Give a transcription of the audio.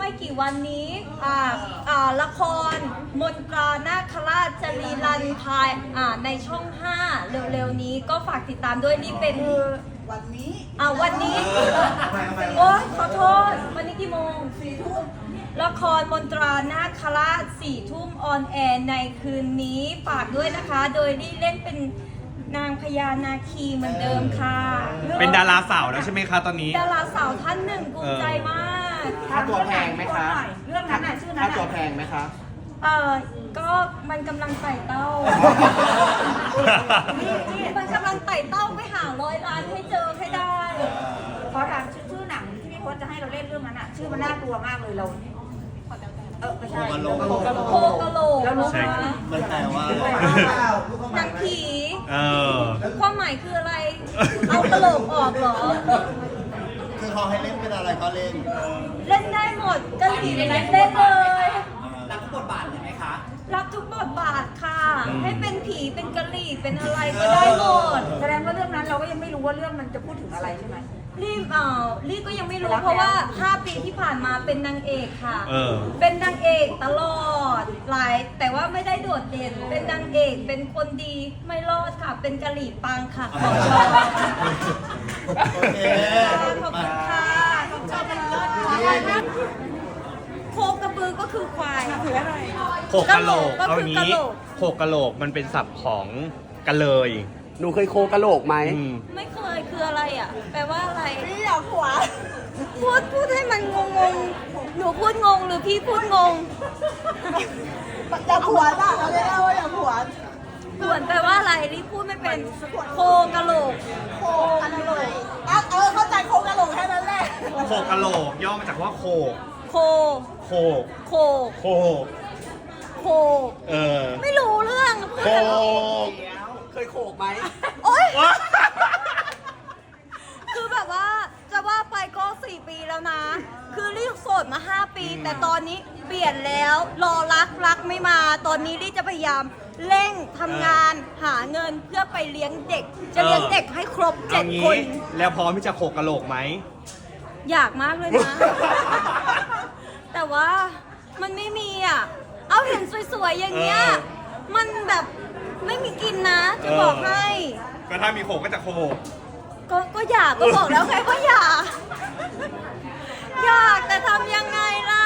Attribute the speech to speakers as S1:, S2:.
S1: ไม่กี่วันนี้ละครมนตรานาคราชจะรีรันภายในช่อง 5 เร็วๆนี้ก็ฝากติดตามด้วยนี่เป็นวันนี้โอ๊ยขอโทษวันนี้กี่โมง4 ทุ่มละครมนตรานาคราช4 ทุ่มออนแอร์ในคืนนี้ฝากด้วยนะคะโดยที่เล่นเป็นนางพญานาคีเหมือนเดิมค่ะ
S2: เป็นดาราสาวแล้วใช่ไหมคะตอนนี้
S1: ดาราสาวท่านหนึ่งภูมิใจมาก
S3: ค่าตัวแพงไหมคะ
S4: เรื่องนั้นน่ะชื่อนั้น
S3: ค่าตัวแพงไหมคะ
S1: ก็มันกำลังไต่เต้า มันกำลังไต่เต้าไปหา100 ล้านให้เจอให้ได้
S4: ขอถามชื่อหนังที่พี่พจน์จะให้เราเล่นเรื่องนั้นอ่ะชื่อมันน่ากลัวมากเลยเราไม่ใช่
S1: โคกะโหลกแล้วรู้ไหม
S5: มันแปลว่า
S1: หนังผีความหมายคืออะไร เอากะโหลกออกเหรอ
S5: คือเขาให้เล่นเป็นอะไรก็เล่น
S1: เล่นได้หมดกะหรี่เล่นเลย
S3: รับบทบาทไหมคะ
S1: รับทุกบทบาทค่ะ ให้เป็นผีเป็นกะหรี่เป็นอะไรก็ได้หมด
S4: แสดงว่าเรื่องนั้นเราก็ยังไม่รู้ว่าเรื่องมันจะพูดถึงอะไรใช่ไหม
S1: รีก็ยังไม่รู้เพราะว่า 5 ปีที่ผ่านมาเป็นนางเอกค่ะ
S2: เออ
S1: เป็นนางเอกตลอดแต่ว่าไม่ได้โดดเด่น เป็นนางเอกเป็นคนดีไม่รอดค่ะ เป็นกะหรี่ปังค่ะขอบคุณ
S5: โอเค
S1: ขอบคุณค่ะขอบคุณเป็นเลิศค่ะโคกระบือก็คือควายคืออะไร
S2: โขกกะโหลก
S1: ก็
S2: เอา
S1: คือ
S2: งี้
S1: กะโหลก
S2: โขกกะโหลกมันเป็นศัพท์ของกะเลย
S3: หนูเคยโคกะโหลกไหม
S1: ไม่เคยคืออะไรอ่ะ แปลว่าอะไรพี่อยากหัวพูดให้มันงงหนูพูดงงหรือพี่พูดงง
S4: อยากหัวจ้ะเราเรียกว่าอยากหัว
S1: ส่วนแปลว่าอะไรรีพูดไม่เป็นโคกะโหลก
S4: โคกะโหลกเข้าใจโคกะโหลกแค่นั้นแหละ
S2: โขกกะโหลกย่อมาจากว่าโขก
S1: โค
S2: โขก
S1: โค
S2: โขก
S1: โค ไม่รู้เรื่อง
S2: โขก
S3: เคยโขกไหม
S1: โอ๊ยคือแบบว่าจะว่าไปก็4 ปีแล้วนะ คือรีบโสดมา5 ปี แต่ตอนนี้เปลี่ยนแล้วรอรักไม่มา ตอนนี้รีจะพยายามเร่งทำงานหาเงินเพื่อไปเลี้ยงเด็ก จะเลี้ยงเด็กให้ครบ
S2: เอา
S1: 7
S2: งี้
S1: คน
S2: แล้วพร้อมที่จะโขกกะโหลกไหม
S1: อยากมากเลยนะ แต่ว่ามันไม่มีอ่ะ เอาเห็นสวยๆอย่างเงี้ย มันแบบไม่มีกินนะ จะบอกให้
S2: ก็ถ้ามีโขกก็จะโขก
S1: ก็อยากก็บอกแล้วไงก็อยาก อยากแต่ทำยังไงล่ะ